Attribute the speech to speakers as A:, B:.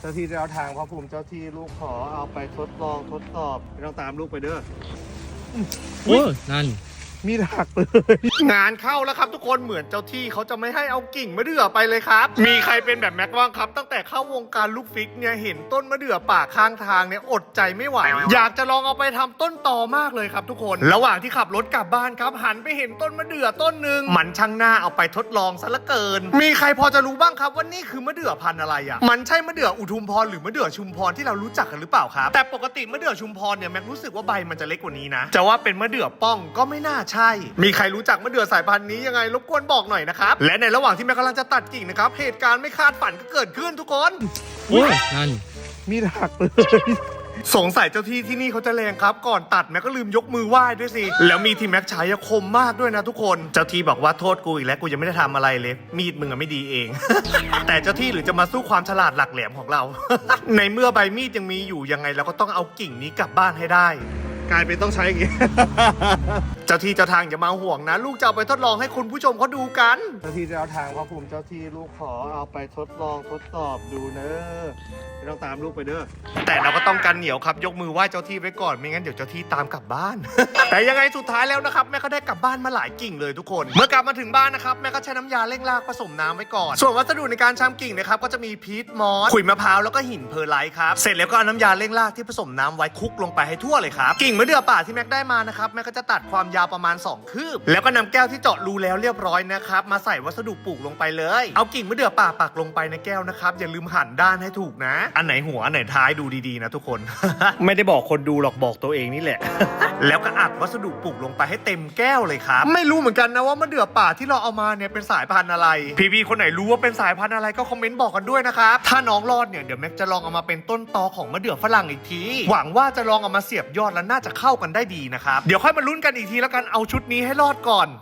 A: เจ้าที่เจ้าทางพระภูมิเจ้าที่ลูกขอเอาไปทดลองทดสอบไม่ต้องตามลูกไปเด้อ
B: โอ้นั่น
A: มีดหักเลยงานเข้าแล้วครับทุกคนเหมือนเจ้าที่เขาจะไม่ให้เอากิ่งมะเดื่อไปเลยครับมีใครเป็นแบบแม็กบ้างครับตั้งแต่เข้าวงการลูกฟิกเนี่ยเห็นต้นมะเดื่อป่าข้างทางเนี่ยอดใจไม่ไหวอยากจะลองเอาไปทำต้นตอมากเลยครับทุกคนระหว่างที่ขับรถกลับบ้านครับหันไปเห็นต้นมะเดื่อต้นหนึ่งมันช่างหน้าเอาไปทดลองซะเหลือเกินมีใครพอจะรู้บ้างครับว่านี่คือมะเดื่อพันธุ์อะไรอ่ะมันใช่มะเดื่ออุทุมพรหรือมะเดื่อชุมพรที่เรารู้จักกันหรือเปล่าครับแต่ปกติมะเดื่อชุมพรเนี่ยแม็กรู้สึกว่าใบมันจะเล็กกว่านี้นะจะว่าเป็นมะเดื่อป้องก็ไม่น่าใช่มีใครรู้จักมะเดื่อสายพันธุ์นี้ยังไงรบกวนบอกหน่อยนะครับและในระหว่างที่แม่กำลังจะตัดกิ่งนะครับเหตุการณ์ไม่คาดฝันก็เกิดขึ้นทุกคน
B: โอ้นั่น
A: มีดหักเลยสงสัยเจ้าที่ที่นี่เขาจะแรงครับก่อนตัดแม็กก็ลืมยกมือไหว้ด้วยสิแล้วมีที่แม็กใช้คมมากด้วยนะทุกคนเจ้าที่บอกว่าโทษกูอีกแล้วกูยังไม่ได้ทำอะไรเลยมีดมึงอะไม่ดีเอง แต่เจ้าที่หรือจะมาสู้ความฉลาดหลักแหลมของเรา ในเมื่อใบมีดยังมีอยู่ยังไงเราก็ต้องเอากิ่งนี้กลับบ้านให้ได้กลายเป็นต้องใช้อย่างงี้ เจ้าที่เจ้าทางอย่ามาห่วงนะลูกจะเอาไปทดลองให้คุณผู้ชมเขาดูกันเจ้าที่เจ้าทางพระภูมิเจ้าที่ลูกขอเอาไปทดลองทดสอบดูเนอะไม่ต้องตามลูกไปเด้อแต่เราก็ต้องกันเหนียวครับยกมือไหว้เจ้าที่ไว้ก่อนไม่งั้นเดี๋ยวเจ้าที่ตามกลับบ้าน แต่ยังไงสุดท้ายแล้วนะครับแม่ก็ได้กลับบ้านมาหลายกิ่งเลยทุกคนเมื่อกลับมาถึงบ้านนะครับแม่ก็ใช้น้ำยาเร่งรากผสมน้ำไว้ก่อนส่วนวัสดุในการชำกิ่งนะครับก็จะมีพีชมอสขุยมะพร้าวแล้วก็หินเพอร์ไลท์ครับเสร็จแล้วก็เอาน้ำยาเร่งรากที่ผสมน้ำไว้คลุกลงไปให้ทั่วเลยครับกิ่งมะเดื่อป่าที่แม็กได้มานะครับแม่ก็จะตัดความยาวประมาณ2 คืบแล้วก็นำแก้วที่เจาะรูแล้วเรียบร้อยนะครับมาใส่วัสดุปลูกลงไปเลยเอากิ่งมะเดื่อป่าปักลงไปในแก้วนะครับอย่าลืมหั่นด้านให้ถูกนะอันไหนหัวอันไหนท้ายดูดีๆนะทุกคน ไม่ได้บอกคนดูหรอกบอกตัวเองนี่แหละ แล้วก็อัดวัสดุปลูกลงไปให้เต็มแก้วเลยครับไม่รู้เหมือนกันนะว่ามะเดื่อป่าที่เราเอามาเนี่ยเป็นสายพันธุ์อะไรพี่ๆคนไหนรู้ว่าเป็นสายพันธุ์อะไรก็คอมเมนต์บอกกันด้วยนะครับถ้าน้องรอดเนี่ยเดี๋ยวแม็กจะลองเอามาเป็นต้นตอของมะเดื่อฝรั่งอีกทีหวังว่าจะลองเอามาเสียบยอดแล้วน่าจะเข้ากันได้ดีนะครับเดี๋ยวค่อยมาลุ้นกันอีกทีแล้วกันเอาชุดนี้ให้รอดก่อน